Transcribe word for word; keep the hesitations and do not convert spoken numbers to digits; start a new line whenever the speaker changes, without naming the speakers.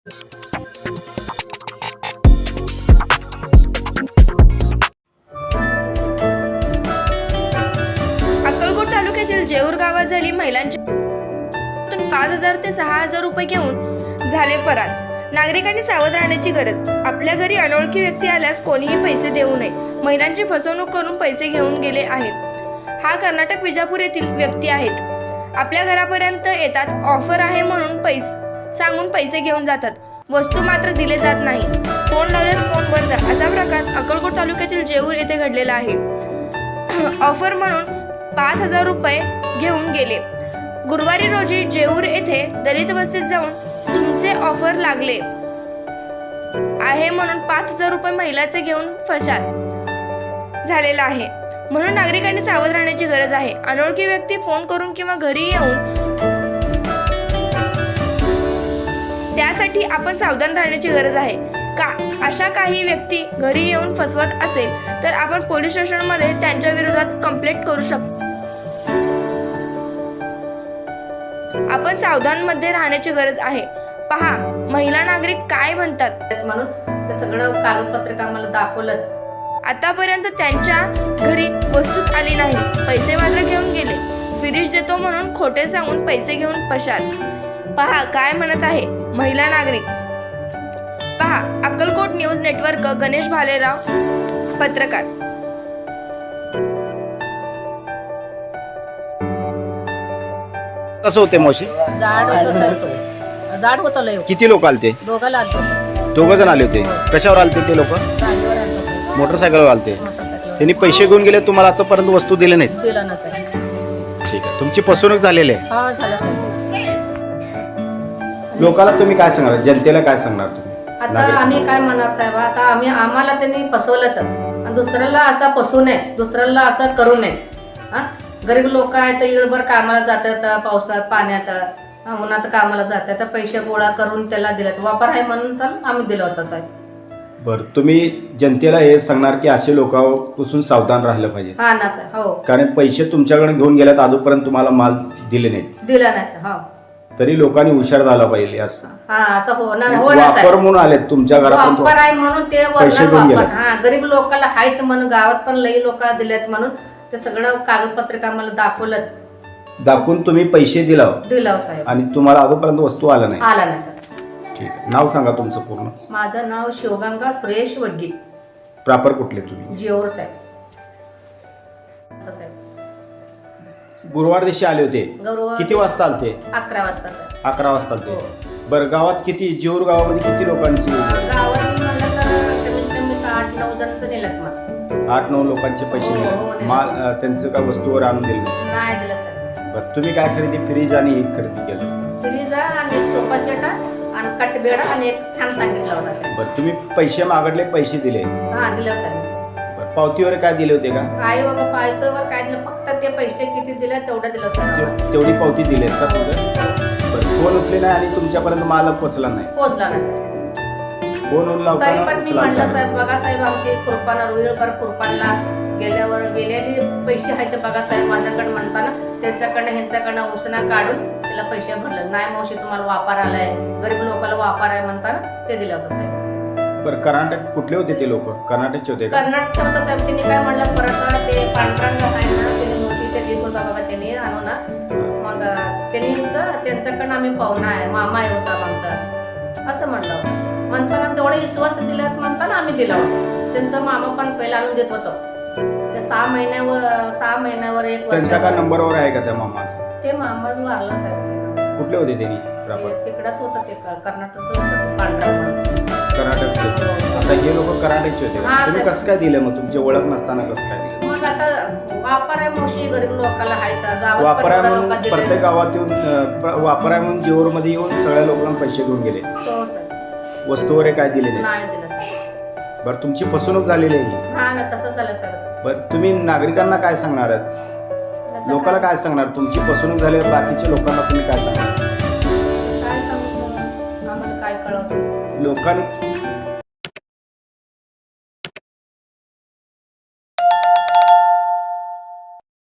अक्कलकोट तालुक्यातील जेऊर गावात झाली महिलांची पाच हजार ते सहा हजार रुपये घेऊन झाले फरार। नागरिकांनी सावध राहण्याची गरज। आपल्या घरी अनोळखी व्यक्ती आल्यास कोणीही पैसे देऊ नये। महिलांची फसवणूक करून पैसे घेऊन गेले आहेत। हा कर्नाटक विजापूर येथील व्यक्ती आहेत। आपल्या घरापर्यंत येतात, ऑफर आहे म्हणून पैसे सांगून पैसे घेऊन जातात, वस्तू मात्र दिले जात नाही। फोन लावल्यास फोन बंद, असा प्रकार अक्कलकोट तालुक्यातील जेऊर येथे घडलेला आहे। ऑफर म्हणून पाच हजार रुपये घेऊन गेले। गुरुवारी रोजी जेऊर येथे दलित वस्तीत जाऊन तुमचे ऑफर लागले आहे म्हणून पाच हजार रुपये महिलाचे घेऊन फरार झालेला आहे। म्हणून नागरिकांनी सावध राहण्याची गरज आहे। अनोळखी व्यक्ती फोन करून किंवा घरी येऊन त्यासाठी आपण सावधान राहण्याची गरज आहे। का अशा काही व्यक्ती घरी येऊन फसवत असेल तर आपण पोलीस स्टेशनमध्ये त्यांच्या विरोधात कंप्लेंट करू शकतो। आपण सावधान मध्ये राहण्याची गरज आहे। पहा महिला नागरिक काय म्हणतात
म्हणून ते सगळं कागदपत्र आम्हाला दाखवलं।
आतापर्यंत त्यांच्या घरी वस्तूच आली नाही, पैसे मात्र घेऊन गेले। फ्रीज देतो म्हणून खोटे सांगून पैसे घेऊन फरार। पहा काय म्हणत आहे महिला नागरिक। पहा अक्कलकोट न्यूज नेटवर्क, गणेश भालेराव, पत्रकार।
कसं होते मावशी?
जाड होतं सर, जाड होतं लय।
किती लोक आलते?
दोघाला आलतो सर।
दोघ जण आले होते। कशावर आलते ते लोक?
गाडीवर आलतो सर,
मोटरसायकलवर आलते।
मोटरसायकलवर।
त्यांनी पैसे घेऊन गेले, तुम्हाला आतापर्यंत वस्तू दिले नाहीत?
दिला ना सर।
ठीक आहे, तुमची फसवणूक झालेली आहे।
हा झालं सर।
लोकांना तुम्ही काय सांगणार, जनतेला काय सांगणार तुम्ही?
आता आम्ही काय म्हणणार साहेब, आता आम्ही आम्हाला त्यांनी फसवलं तर आणि दुसऱ्याला असं फसवू नये, दुसऱ्याला असं करू नये। हा गरीब लोक आहेत, इळभर कामाला जातात, पावसात पाण्यात उन्हात कामाला जातात, पैसे गोळा करून त्याला दिलेत, वापर आहे म्हणून तर आम्ही दिलं होतं साहेब।
बरं, तुम्ही जनतेला हे सांगणार की असे लोकांपासून सावधान राहिलं पाहिजे?
हा ना सर, हो।
कारण पैसे तुमच्याकडे घेऊन गेल्यात, अजूनपर्यंत तुम्हाला माल दिले नाहीत,
दिला नाही सर, हो।
तरी लोकांनी हुशार झाला पाहिजे असं।
हा असं होणार हो ना
वापर म्हणून आलेत तुमच्या घरापर्यंत,
वापर आहे म्हणून ते
पैसे घेऊन
वापर।
गेले।
हा गरीब लोकांना आहेत म्हणून, गावात पण लई लोक दिलेत म्हणून ते सगळं कागदपत्र आम्हाला दाखवलं,
दाखवून तुम्ही पैसे दिला
दिलं साहेब,
आणि तुम्हाला अजूनपर्यंत वस्तू आला नाही?
आला नाही सर।
ठीक आहे, नाव सांगा तुमचं पूर्ण?
माझं नाव शिवगंगा सुरेश वग्गी,
प्रॉपर कुठले तुम्ही?
जेऊर साहेब। साहेब
गुरुवार दिवशी आले होते,
गुरुवार
किती वाजता आलते?
अकरा वाजता सर।
अकरा वाजता आलते। बरं, गावात किती, जेऊर गावामध्ये किती लोकांची?
गावात मी म्हणलं तर कमीत कमी आठ नऊ जणांचं नेलं मग।
आठ नऊ लोकांचे पैसे
हो, हो,
दिले,
नेले.
माल अं, त्यांचं काय वस्तूवर आणून दिले नाही?
नाही दिलं सर।
बरं, तुम्ही काय खरेदी, फ्रीज आणि एक खरेदी केलं?
फ्रीज आणि एक सोफा सेट आणि कटबेड आणि एक फॅन सांगितला होता ते।
बरं, तुम्ही पैसे मागडले, पैसे दिले?
हा दिलं सर।
बरं, पावतीवर काय दिले होते का?
काय बघा पायथ्यावर काय दिलं, फक्त ते पैसे किती दिले तेवढं दिलं सर।
ते- तेवढी पावती दिली का तुझं? बरं, फोन उचले नाही आणि तुमच्यापर्यंत माल पोचला नाही?
पोहोचला ना सर।
फोन
तरी
लावताना
पण मी
उचला
म्हणलं
नाही?
साहेब, बघा साहेब, आमची खुरपाना रुईळकर खुरपानला गेल्यावर गेलेले पैसे आहेत ते बघा साहेब माझ्याकडे म्हणताना त्याच्याकडनं ह्यांच्याकडनं उसना काढून त्याला पैसे भरले नाही। मावशी तुम्हाला वापर आलाय, गरीब लोकांना वापर आहे म्हणताना ते दिलं होतं साहेब।
बरं, कर्नाटक कुठले होते ते लोक? कर्नाटकचे होते का?
कर्नाटक होतं साहेब। त्यांनी काय म्हणलं, परत ते पांढरांना आहे ना, त्यांनी मोठी ते देत होता बघा, त्यांनी आणू ना, मग त्यांनीच त्यांच्याकडनं आम्ही पाहुणा आहे, मामा आहे होता आमचा, असं म्हणलं होतं। म्हणताना तेवढे विश्वास दिला म्हणताना आम्ही दिला होता। त्यांचा मामा पण पहिला आणून देत होतं। ते सहा महिन्यावर सहा महिन्यावर एक वर्ष
त्यांचा का नंबरवर आहे का त्या मामाचा?
ते मामाच वारला साहेब। ते
कुठले होते त्यांनी?
ते तिकडच होतं, ते कर्नाटकचं होतं, ते पांढरा म्हणून।
कर्नाटकचे होते। आता हे लोक कर्नाटकचे होते का?
हा,
तुम्ही
सर.
कसं काय दिलं मग? तुमची ओळख नसताना कसं काय दिलं?
मग आता वापर आहे मावशी, गरीब लोकांना आहेत गावात,
वापर आहे
पण
म्हणून
लोकं
प्रत्येक
दिले।
गावात येऊन अं, प्र- वापर आहे म्हणून जेऊर मध्ये येऊन सगळ्या लोकांना पैसे घेऊन गेले,
हो सर।
वस्तूवर काय दिले नाही?
नाही दिलं सर।
बरं, तुमची फसवणूक झालेली आहे?
हा ना, तसं झालं सर।
बरं, तुम्ही नागरिकांना काय सांगणार आहेत? लोकांना काय सांगणार? तुमची फसवणूक झाल्यावर बाकीच्या लोकांना तुम्ही काय सांगणार?
काय सांगू सर, आम्हाला काय कळवतं?
लोकांनी